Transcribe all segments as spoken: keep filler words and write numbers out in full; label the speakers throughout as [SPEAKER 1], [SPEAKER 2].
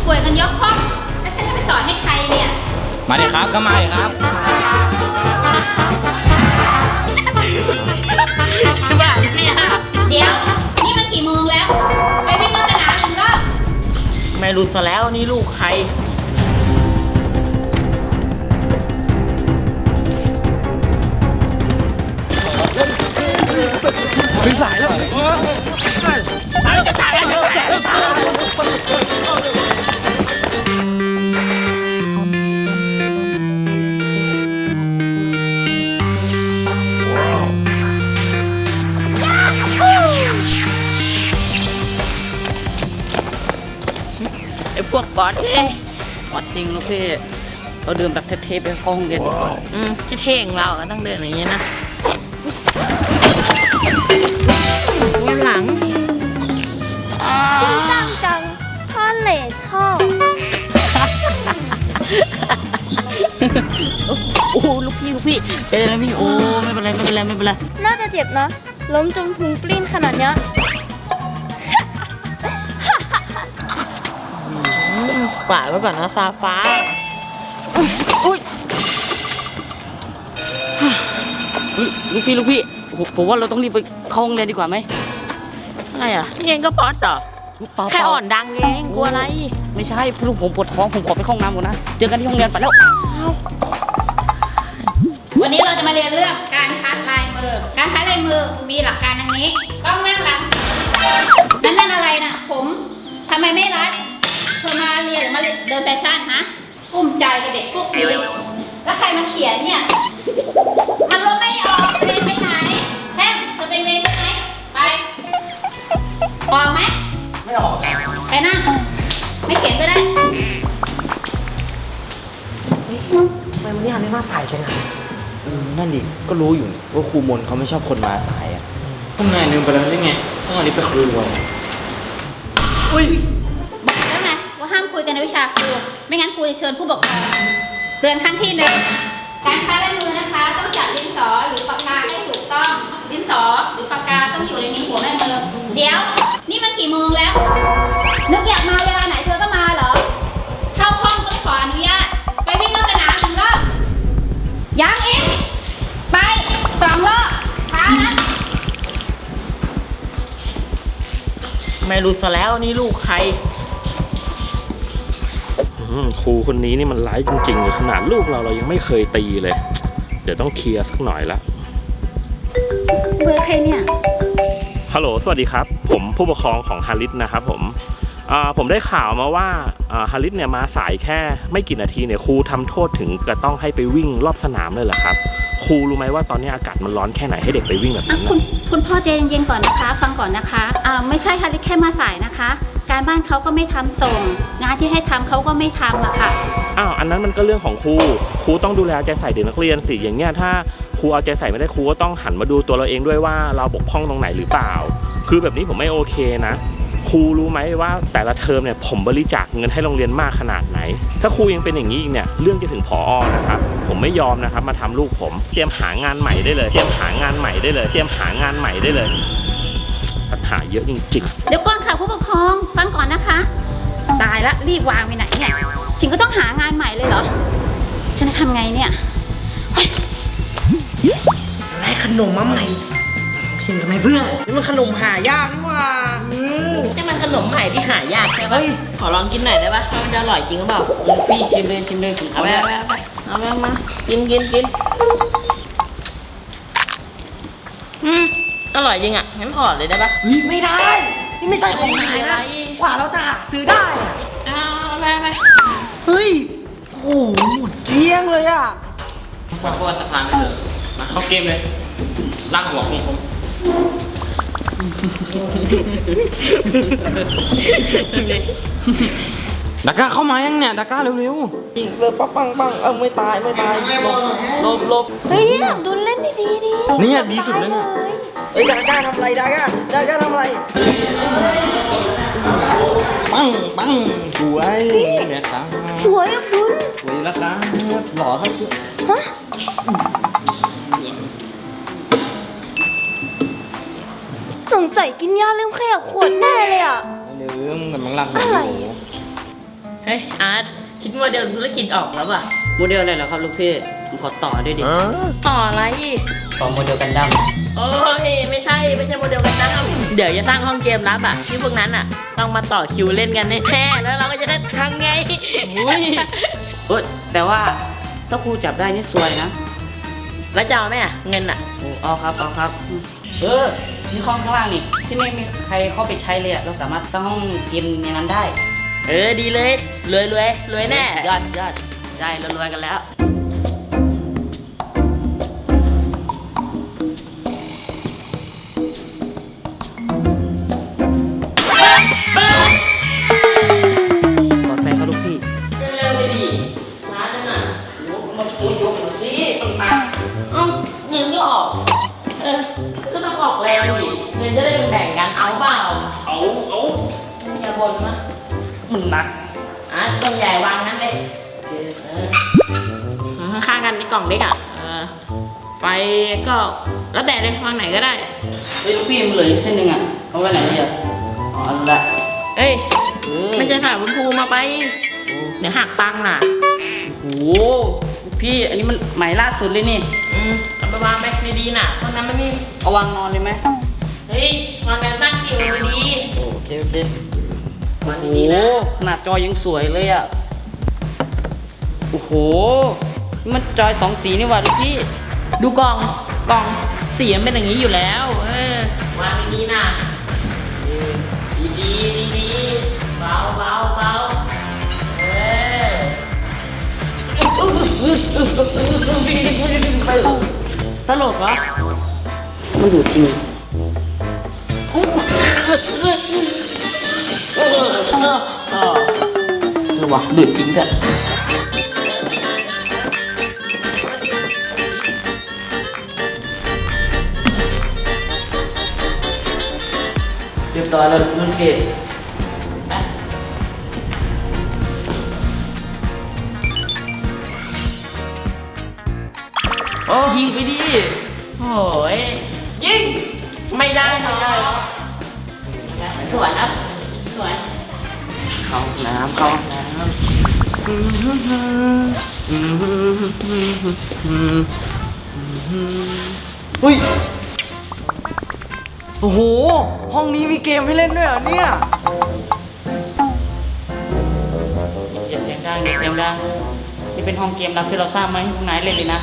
[SPEAKER 1] ป่วยกันยกห้องแล้วฉันจะไปสอนให้ใครเนี่ย
[SPEAKER 2] มาดิครับก็มาดิครับคือแบบเนี่ย
[SPEAKER 1] เดี๋ยวนี่มันกี่โมงแล้วไปวิ่งรอบสนามหนึ่งรอบ
[SPEAKER 2] ไม่รู้ซะแล้วนี่ลูกใครถึงสายแล้วจะสายแล้วจะสายแล้วไอ้พวกบอสเท่บอสจริงลูกพี่เราเดินแบบเท่ๆไปห้องเรียนอืมเท่ๆของเราต้องเดินอย่างนี้นะวันหลัง
[SPEAKER 3] จริงจังจังท่อเลทท่อ
[SPEAKER 2] โอ้ลูกพี่ลูกพี่เป็นอะไรพี่โอ้ไม่เป็นไรไม่เป็นไรไม่เป็นไร
[SPEAKER 3] น่าจะเจ็บนะล้มจนพุงปลิ้นขนาดเนี้ย
[SPEAKER 2] ฝาไว้ก่อนนะฟ้าฟ้าอุ้ยลูกพี่ลูกพี่ผมว่าเราต้องรีบไปเข้าห้องเรียนดีกว่าไหมอะไรอ่ะนี่เองก็ป๊อตเหรอแค่อ่อนดังเองกลัวอะไรไม่ใช่ลูกผมปวดท้องผมขอไปเข้าห้องน้ำก่อนนะเจอกันที่ห้องเรียนไปแล้ว
[SPEAKER 1] วันนี้เราจะมาเรียนเรื่องการคัดลายมือการคัดลายมือมีหลักการดังนี้ต้องนั่งหลังนั่นนั่นอะไรนะผมทำไมไม่รัดเธอมาเรียนหรือมาเดินแฟชั่นฮะกุ้มใจกับเด็กพวกนี้แล้วใครมาเขียนเนี่ยมันลบไม่ออกเวรไปไหนแทมเธอเป็นเวรใช่ไหมไปออกไหม
[SPEAKER 2] ไม่ออก
[SPEAKER 1] ไปนั่งไม่เขียนก็ได้
[SPEAKER 4] ทำไมวันนี้ฮันไม่มาสายจังอ่ะ
[SPEAKER 2] นั่นดิก็รู้อยู่ว่าครูมนเขาไม่ชอบคนมาสายอ่ะพวกนายลืมไปแล้วได้ไงพวกอันนี้ไปครูรวม
[SPEAKER 1] อุ้ยบอกแล้วไงว่าห้ามคุยกันในวิชาครูไม่งั้นครูจะเชิญผู้ปกครองเตือนครั้งที่หนึ่งการคัดลายมือนะคะต้องจับดินสอหรือปากกาให้ถูกต้องดินสอหรือปากกาต้องอยู่ในหัวแม่มือเดี๋ยวนี่มันกี่โมงแล้วนึกอยากมาเวลาไหนเธอก็มาเหรอเข้าห้องต้องขออนุญาตไปวิ่งรอบสนามหนึ่งรอบยังอีกไปสองรอบช้านะ
[SPEAKER 2] ไม่รู้ซะแล้วนี่ลูกใคร
[SPEAKER 5] ครูคนนี้นี่มันร้ายจริงๆเลยขนาดลูกเราเรายังไม่เคยตีเลยเดี๋ยวต้องเคลียร์สักหน่อยละ
[SPEAKER 1] เบอร์ใครเนี่ย
[SPEAKER 5] ฮัลโหลสวัสดีครับผมผู้ปกครองของฮาริสนะครับผมผมได้ข่าวมาว่าฮาริสเนี่ยมาสายแค่ไม่กี่นาทีเนี่ยครูทำโทษถึงจะต้องให้ไปวิ่งรอบสนามเลยเหรอครับครูรู้ไหมว่าตอนนี้อากาศมันร้อนแค่ไหนให้เด็กไปวิ่งแบบนี้
[SPEAKER 1] คุณคุณพ่อใจเย็นๆก่อนนะคะฟังก่อนนะคะอ่าไม่ใช่ฮาริสแค่มาสายนะคะการบ้านเขาก็ไม่ทำส่งงานที่ให้ทำเขาก็ไม่ทำอะค่ะ
[SPEAKER 5] อ้าวอันนั้นมันก็เรื่องของครูครูต้องดูแลใจใส่เด็กนักเรียนสิอย่างเงี้ยถ้าครูเอาใจใส่ไม่ได้ครูก็ต้องหันมาดูตัวเราเองด้วยว่าเราบกพร่องตรงไหนหรือเปล่าคือแบบนี้ผมไม่โอเคนะครูรู้ไหมว่าแต่ละเทอมเนี่ยผมบริจาคเงินให้โรงเรียนมากขนาดไหนถ้าครูยังเป็นอย่างนี้อีกเนี่ยเรื่องจะถึงผอ.นะครับผมไม่ยอมนะครับมาทำลูกผมเตรียมหางานใหม่ได้เลยเตรียมหางานใหม่ได้เลยเตรียมหางานใหม่ได้เลยปัญหาเยอะจริง
[SPEAKER 1] ๆเดี๋ยวก่อนค่ะผู้ปกครองฟังก่อนนะคะตายละรีบวางไปไหนเนี่ยจริงก็ต้องหางานใหม่เลยเหรอฉันจะทำไงเนี่ย
[SPEAKER 4] อะไรขนมมาใหม่ชิมกันไหมเพื่อนนี่มันขนมหายากนี่ว่า
[SPEAKER 2] นี่มันขนมใหม่ที่หายากใช่ปะขอลองกินหน่อยได้ปะมันจะอร่อยจริงหรือเปล่าพี่ชิมเลยชิมเลยเอาไปเอาไปเอาไปเอาไปมากินกินกินอืมอร่อยจริงอ่ะงั้นขอเลยได้ปะ
[SPEAKER 4] เฮ้ยไม่ได้นี่ไม่ใช่ของขายนะกว่าเราจะหาซื้อได้
[SPEAKER 2] เอาไปไป
[SPEAKER 4] เฮ้ยโอ้โหหมดเกลี้ยงเลยอ่ะ
[SPEAKER 2] ฝากตัวจะผ่านไปเถอะมาเข้าเกมเลยลากหัวของผม
[SPEAKER 4] ดาก้าเข้ามายังเนี่ยดาก้าเร็วๆยิงเลยปังปังปังเออไม่ตายไม่ตายลบลบ
[SPEAKER 3] เฮ้ยดูเล่นดีๆดิ
[SPEAKER 4] นี่ดีสุดเลยเนี่ยเฮ้ยดาก้าทำอะไรดาก้าดาก้าทำอะไรปังปังสวยเนี่ยครับ
[SPEAKER 3] สวยอ่ะคุณ
[SPEAKER 4] สวยแล้วครับหล่อครับฮะ
[SPEAKER 3] สงสัยกินยาลืมขยับขวดแน่เลยอ่ะ
[SPEAKER 4] ลืมกำลังหลับอยู่
[SPEAKER 2] ให้เฮ้ยอาร์ตคิดโมเดลธุรกิจออกแล้วป่ะโมเดลอะไรเหรอครับลูกพี่ผมขอต่อด้วยดิต่ออะไรต่อโมเดลกันดั้มโอ้ยไม่ใช่ไม่ใช่โมเดลกันดั้มเดี๋ยวจะสร้างห้องเกมลับอ่ะที่พวกนั้นอ่ะต้องมาต่อคิวเล่นกันแน่ๆแล้วเราก็จะได้ทางไงอุ้ยเออแต่ว่าถ้าครูจับได้นี่ซวยนะแล้วจะเอาไหมอ่ะเงินอ่ะโอ้เอาครับเอาครับเออมีห้องข้างล่างนี่ที่ไม่มีใครเข้าไปใช้เลยอ่ะเราสามารถสร้างห้องเกมในนั้นได้เออดีเลยรวยรวยรวยแน่ยอดยอดใช่เรารวยกันแล้วปลอดภัยครับลูกพี่เร็วๆไปดิช้าจังอ่ะยกมาช่วยยกมาสิต่างๆเอ้าเงินก็ออกเออก็ต้องออกแรงดิเงินจะได้แบ่งกันเอาเปล่าเอาเอาอย่าบ่นนะมึงหนักอ่ะต้นใหญ่วางงั้นเลยเออข้างๆกันในกล่องเล็กอ่ะเออไฟก็แล้วแต่เลยวางไหนก็ได้เฮ้ยลูกพี่มันเหลืออีกเส้นหนึ่งอ่ะเอาไว้ไหนดีอ่ะอ๋อรู้ละเอ้ยไม่ใช่ค่ะคุณครูมาไปเดี๋ยวหักตังค์น่ะโอ้โหลูกพี่อันนี้มันใหม่ล่าสุดเลยนี่อืมเอาไปวางไปดีๆน่ะเพราะนั้นมันมีเอาวางนอนเลยไหมเฮ้ยวางแบบตั้งคิวดีๆโอเคโอเคโอ้โหขนาดจอยังสวยเลยอ่ะโอ้โหนี่มันจอยสองสีนี่หว่าลูกพี่ดูกล่องกล่องสีมันเป็นอย่างนี้อยู่แล้วเออวางดีๆนะดีดีดีดีเบาเบาเบาเออตลกเหรอมันดูจริงเออว่ะดูดจริงเถอะเรียบร้อยแล้วรุ่นเกตโอ้ยิงไปดิโอ้ยยิงไม่ได้ไม่ได้สวยครับสวยเข้าน้ำเข้าน้ำ
[SPEAKER 4] เฮ้ยโอ้โหห้องนี้มีเกมให้เล่นด้วยเหรอเนี่ย
[SPEAKER 2] อย่าเสียงดังอย่าเสียงดังนี่เป็นห้องเกมลับที่เราสร้างมาให้พวกนายเล่นเลยนะ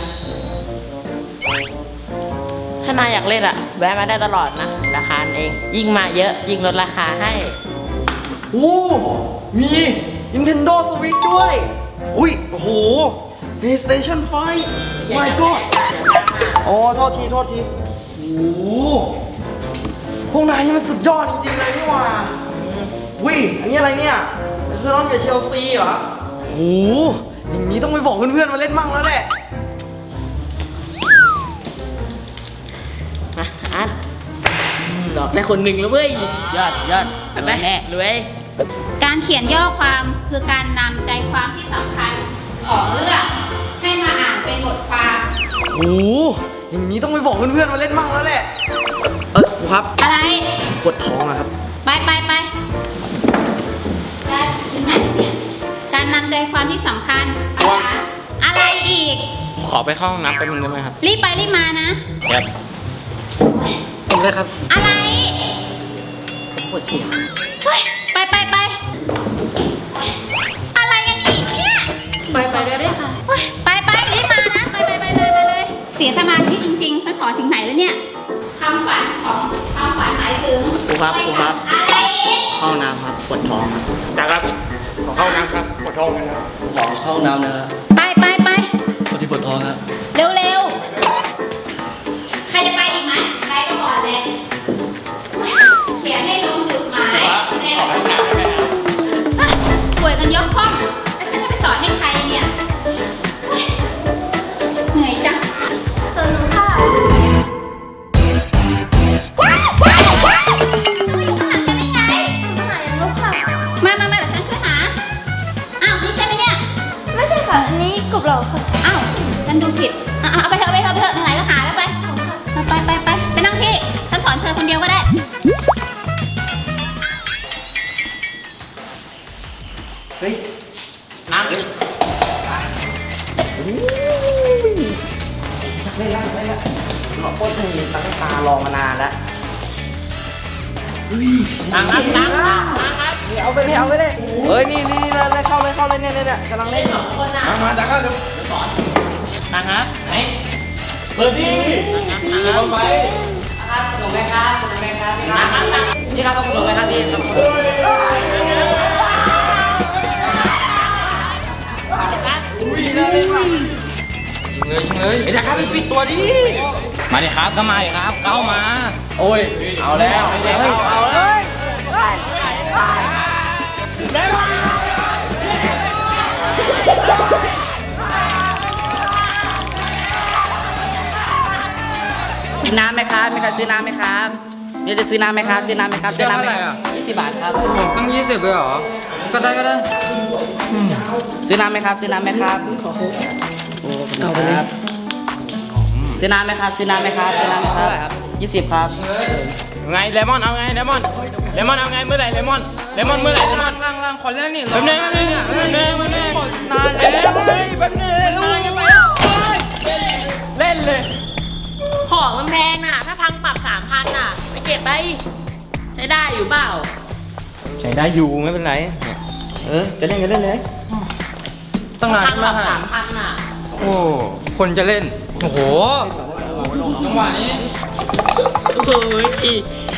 [SPEAKER 2] ถ้านายอยากเล่นอะแวะมาได้ตลอดนะราคาเองยิ่งมาเยอะยิ่งลดราคาให้
[SPEAKER 4] โอ้มี Nintendo Switch ด้วยอุ้ยโอ้โห PlayStation ไฟว์ My God อ๋อโทษทีโทษทีโอ้โหพวกนายนี่มันสุดยอดจริงๆเลยนี่หว่าอุ้ยอันนี้อะไรเนี่ยเอฟเซอรอนกับเชลซีเหรอโอ้โหอย่างนี้ต้องไปบอกเพื่อนๆมาเล่นมั่งแล้วแหละ
[SPEAKER 2] มาอาร์ตหลอกได้คนหนึ่งแล้วเว้ยยอดยอดไปไหมรวย
[SPEAKER 1] การเขียนย่อความคือการนำใจความที่สำคัญของเรื่องให้มาอ่านเป็นบทความ
[SPEAKER 4] โอ้โหอย่างนี้ต้องไปบอกเพื่อนๆมาเล่นมั่งแล้วแหละ เออครูครับ
[SPEAKER 1] อะไร
[SPEAKER 4] ปวดท้องอะครับ
[SPEAKER 1] ไปไปไปได้ถึงไหนเนี่ยการนำใจความที่สำคัญอะไรคะอะไรอีก
[SPEAKER 4] ขอไปเข้าห้องน้ำแป๊บนึงได้ไหมครับ
[SPEAKER 1] รีบไปรีบมานะ
[SPEAKER 4] ครับผมเลยครับ
[SPEAKER 1] อะไร
[SPEAKER 2] ปวดเสียง
[SPEAKER 1] เฮ้ยไปไปไปเฮ้ยอะไรกันอีกเนี่ย
[SPEAKER 2] ไปไปได้ด้วยค่ะ
[SPEAKER 1] เฮ้ยไปไปรีบมานะไปไปไปเลยไปเลย เสียสมาธิจริงๆฉันถอนถึงไหนแล้วเนี่ยคำฝันของคำฝันหมายถึง
[SPEAKER 2] ครูครับครูครับ
[SPEAKER 1] อะไรอีก
[SPEAKER 2] เข้าน้ำครับปวดท้องครับ
[SPEAKER 5] จ้าครับขอเข้าน้ำครับปวดท้องนะครับ
[SPEAKER 2] ขอเข้าน้ำนะครับ
[SPEAKER 1] ไปไปไป
[SPEAKER 2] คนที่ปวดท้องครับ
[SPEAKER 1] เร็วเร็วๆใครจะไปอีกไหมไปก็ก่อนเลยเขียนให้ลงจุดหมายเร็วป่วยกันยกห้องแล้วฉันจะไปสอนให้ใครเนี่ยเหนื่อยจัง
[SPEAKER 3] ส่วนหนูค่ะ
[SPEAKER 1] ว้าวว้าวว้าวจะมาอยู่ข้างหลังฉันได้ไง
[SPEAKER 3] หายังลบค่ะ
[SPEAKER 1] มามามาเดี๋ยวฉันช่วยหา อ้าวนี่ใช่ไหมเนี่ย
[SPEAKER 3] ไม่ใช่ค่ะ อันนี้กบเราค่ะ
[SPEAKER 1] อ้าวฉันดูผิดอ่ะเอาไปเถอะเอาไปเถอะเอาไปเถอะไหนๆก็หาแล้วไปไปไปไปไปนั่งที่ฉันสอนเธอคนเดียวก็ได้
[SPEAKER 4] เฮ้ย
[SPEAKER 2] นั่ง
[SPEAKER 4] ชักเล่นแล้วชักเล่นแล้วหลอกป้นให้ตั้งตารอมานานแล้วเฮ้ย
[SPEAKER 2] นั่งครับนั่งครับนั่งครับ
[SPEAKER 4] เอาไปเลยเอาไปเลยเฮ้ยนี่นี่เลยเลยเข้าเลยเข้าเลยเนี่ยเนี่ยเนี่ยกำลังเล่น
[SPEAKER 2] สองคนนะ
[SPEAKER 4] มามาจากกันเร็ว
[SPEAKER 2] นั่งครับไหน
[SPEAKER 4] เปิดดิ
[SPEAKER 2] นั่งครับ
[SPEAKER 4] เอาไป
[SPEAKER 2] ครับขนมไหมครับขนมไหมครับนั่งครับนั่งนี่ครับขนมไหมครับพี่ครับขนม
[SPEAKER 4] อุ้ยเลยยิงเลยยิงเลยไอ้ดักครับไปปิดตัวดิ
[SPEAKER 2] มาดิครับก็มาดิครับเข้ามา
[SPEAKER 4] โอ้ยเอาแล้ว
[SPEAKER 2] เฮ้ยเอาเลย กินน้ำไหมครับ มีใครซื้อน้ำไหมครับเดี๋ยวจะซื้อน้ำไหมครับ ซื้อน้ำไหมครับ ซื้อน้ำไหมยี่สิบบาทครับ
[SPEAKER 4] ตั้งยี่สิบเลยเหรอก็ได้ก็ได้
[SPEAKER 2] ซื้อน้ำไหมครับ ซื้อน้ำไหมครับเอาไปเลยซื้อน้ำไหมครับ ซื้อน้ำไหมครับ ซื้อน้ำไหมครับยี่สิบครับ
[SPEAKER 6] ไงเลมอนเอาไงเลมอนเลมอนเอาไงเมื่อไหร่เลมอนเลมอนเมื่อไหร่เลมอน
[SPEAKER 4] ล่างล่างขอเล่นนี่
[SPEAKER 6] แป๊บนึงแป๊บนึงแป๊บนึงแป๊บนึง
[SPEAKER 4] นานแล้วเฮ้ยแป๊บนึงลูก
[SPEAKER 6] เล่นเลย
[SPEAKER 2] ของมันแพงน่ะ ถ้าพังปรับสามพันน่ะ ไปเก็บไป ใช้ได้อยู่เปล่า
[SPEAKER 4] ใช้ได้อยู่ไม่เป็นไรเนี่ยเออจะเล่นกันเล่นเลยตั้งนาน
[SPEAKER 2] พังป
[SPEAKER 4] มา
[SPEAKER 2] รับ
[SPEAKER 4] ก
[SPEAKER 2] สามพันน่ะ
[SPEAKER 4] โอ้คนจะเล่นโอ้โหจังหวะนี้
[SPEAKER 2] โอ้ย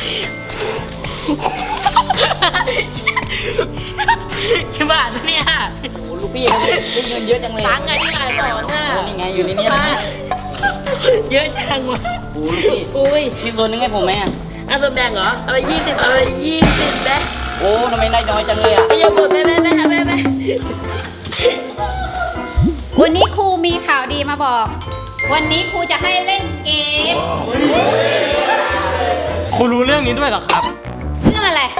[SPEAKER 2] กี่บาทเนี่ยโอ้ลูกพี่เขาได้เงินเยอะจังเลยตังไงที่ขายของน่ะนี่ไงอยู่ในนี้นะเยอะจังวะโอ้ลูกพี่อุ้ยมีส่วนหนึงให้ผมไหมอ่ะอ่ะส่วนแบ่งเหรออะไรยี่สิบอะไรยี่สิบแบ๊โอ้ทำไมได้น้อยจังเลยอ่ะไม่ยอมหมดแม่แม่แม่แม่แม่
[SPEAKER 1] วันนี้ครูมีข่าวดีมาบอก วันนี้ครูจะให้เล่นเกม
[SPEAKER 6] คุณรู้เรื่องนี้ด้วยเหรอครับ
[SPEAKER 1] เรื่องอะไร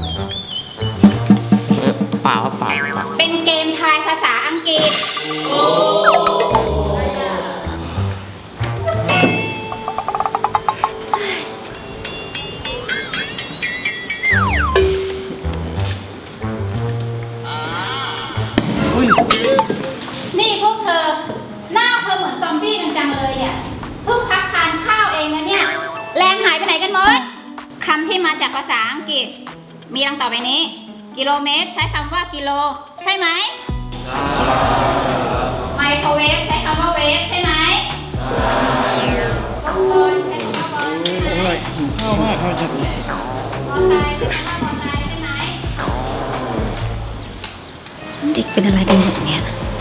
[SPEAKER 6] เปล่าครับเปล่า
[SPEAKER 1] เป็นเกมทายภาษาอังกฤษ นี่พวกเธอ หน้าเธอเหมือนซอมบี้กันจังเลยอ่ะ เพิ่งพักทานข้าวเองนะเนี่ย แรงหายไปไหนกันหมด คำที่มาจากภาษาอังกฤษ มีดังต่อไปนี้ กิโลเมตรใช้คำว่ากิโล ใช่ไหม ไมโครเวฟใช้คำว่าเวฟใช่ไหมบอลใช้คำว่าบอลใช่ไหม
[SPEAKER 4] ข้าวมากข้าวจัดเลย
[SPEAKER 1] มอไซค์ใช้คำว่ามอไซค์ใช่ไหมเด็กเป็นอะไรกันหมดเนี่ย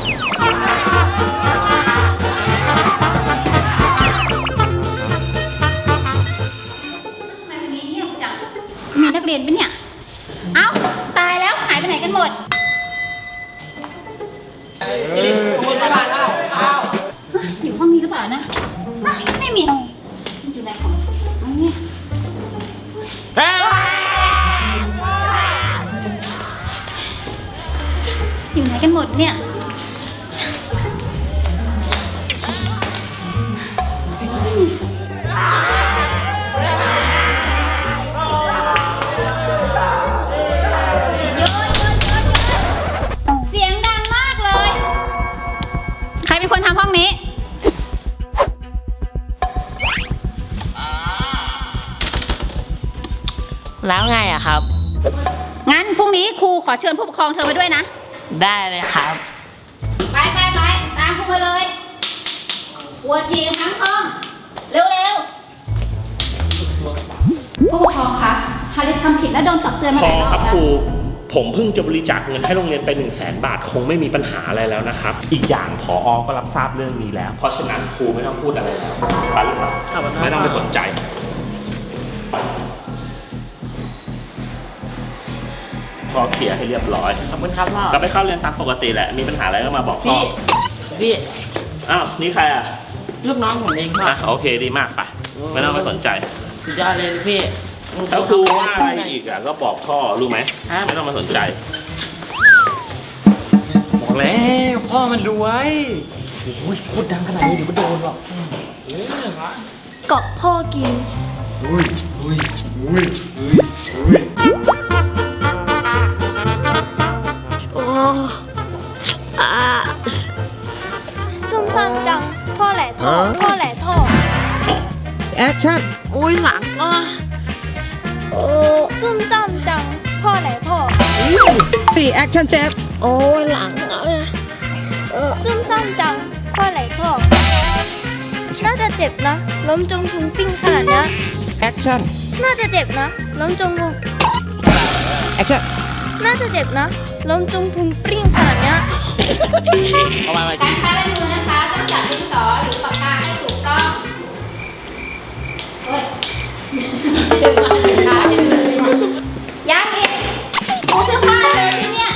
[SPEAKER 1] ทำไมวันนี้เงียบจัง มีนักเรียนปะเนี่ย เอ้า ตายแล้วหายไปไหนกันหมด อยู่ห้องนี้หรือเปล่านะ ไม่มี อยู่ไหนของอันนี้อยู่ไหนกันหมดเนี่ย หยุดหยุดหยุดหยุดเสียงดังมากเลย ใครเป็นคนทำห้องนี้
[SPEAKER 2] แล้วไงอะครับ
[SPEAKER 1] งั้นพรุ่งนี้ครูขอเชิญผู้ปกครองเธอมาด้วยนะ
[SPEAKER 2] ได้เลยครับ
[SPEAKER 1] ไปไปไปตามครูมาเลยปวดฉี่กันทั้งห้อง เร็วเร็วผู้ปกครองคะฮาริสทำผิดและโดนตักเตือนมา
[SPEAKER 5] พ
[SPEAKER 1] ห
[SPEAKER 5] อ
[SPEAKER 1] ลายรอบ
[SPEAKER 5] ครับ
[SPEAKER 1] แล้ว
[SPEAKER 5] ครู ผมเพิ่งจะบริจาคเงินให้โรงเรียนไป1นึ่งแสนบาท คงไม่มีปัญหาอะไรแล้วนะครับ อีกอย่างผอก็รับทราบเรื่องนี้แล้ว เพราะฉะนั้นครูไม่ต้องพูดอะไรแล้วไปหรือเปล่าไม่ต้องไปสนใจ พอเคลียร์ให้เรียบร้อย
[SPEAKER 2] ขอบคุณครับพ่อ
[SPEAKER 5] ก็ไปเข้าเรียนตามปกติแหละ มีปัญหาอะไรก็มาบอกพ่อ
[SPEAKER 2] พี่ พี่
[SPEAKER 5] อ้าว นี่ใครอ่ะ
[SPEAKER 2] ลูกน้องผมเองพ่อ
[SPEAKER 5] อ่ะ โอเค ดีมากไป ไม่ต้องไปสนใจ
[SPEAKER 2] สุดยอดเลยพี่
[SPEAKER 5] ถ้าครูว่าอะไรอีกอ่ะ ก็บอกพ่อ รู้ไหม
[SPEAKER 2] ครับ
[SPEAKER 5] ไม่ต้องมาสนใจ
[SPEAKER 4] บอกแล้วพ่อมันรวยโอ้ยพูดดังขนาดนี้เดี๋ยวมันโดนหรอก
[SPEAKER 3] เกาะพ่อกิน
[SPEAKER 4] อุ้ยอุ้ยอุ้ยอุ้ยอุ้ย
[SPEAKER 3] โอ้ท่อท่อแหล่ท่อ
[SPEAKER 4] แอคชั่น
[SPEAKER 2] อุ้ยหลังอ่ะ
[SPEAKER 3] ซุ่มซ่ามจังพ่อแหล่ท่อ
[SPEAKER 4] สี่แอคชั่นแจ๊บ
[SPEAKER 2] โอ้ยหลังอ่ะ
[SPEAKER 3] ซุ่มซ่ามจังพ่อแหล่ท่อ น่าจะเจ็บนะ ล้มจงพุงปิ้งขนาดเนี้ย
[SPEAKER 4] แอคชั่น
[SPEAKER 3] น่าจะเจ็บนะ ล้มจงพุง
[SPEAKER 4] แอคชั่น
[SPEAKER 3] น่าจะเจ็บนะ ล้มจงพุงปิ้งขนาดเนี้ย
[SPEAKER 2] เอามามา
[SPEAKER 1] การค้าลายมือนะคะต้องจับดินสอหรือปากกาให้ถูกต้องโอ้ยดึงมาถึงขาจะเลยยังอีกกูเสื้อผ้าเลยที่เนี่ย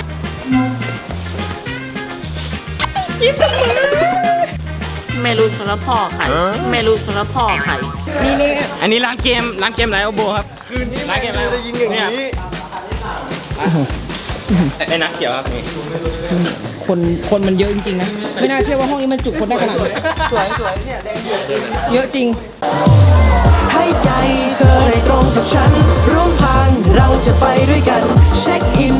[SPEAKER 2] ไม่รู้สารพ่อใครไม่รู้สารพ่อใคร
[SPEAKER 6] อันนี้ร้านเกมร้านเกมไรโอโบครับร้านเกมไร
[SPEAKER 4] จะยิงอย่างนี้
[SPEAKER 6] ไอ้นักเขียวครับนี่
[SPEAKER 7] คนคนมันเยอะจริงๆนะ ไม่น่าเชื่อว่าห้องนี้มันจุคนได้ขนาดนี้
[SPEAKER 4] สวยสวยเนี่ยแดงเยอะ
[SPEAKER 7] เยอะจริง
[SPEAKER 8] ให้ใจเธอได้ตรงกับฉัน ร่วมทางเราจะไปด้วยกัน เช็คอิน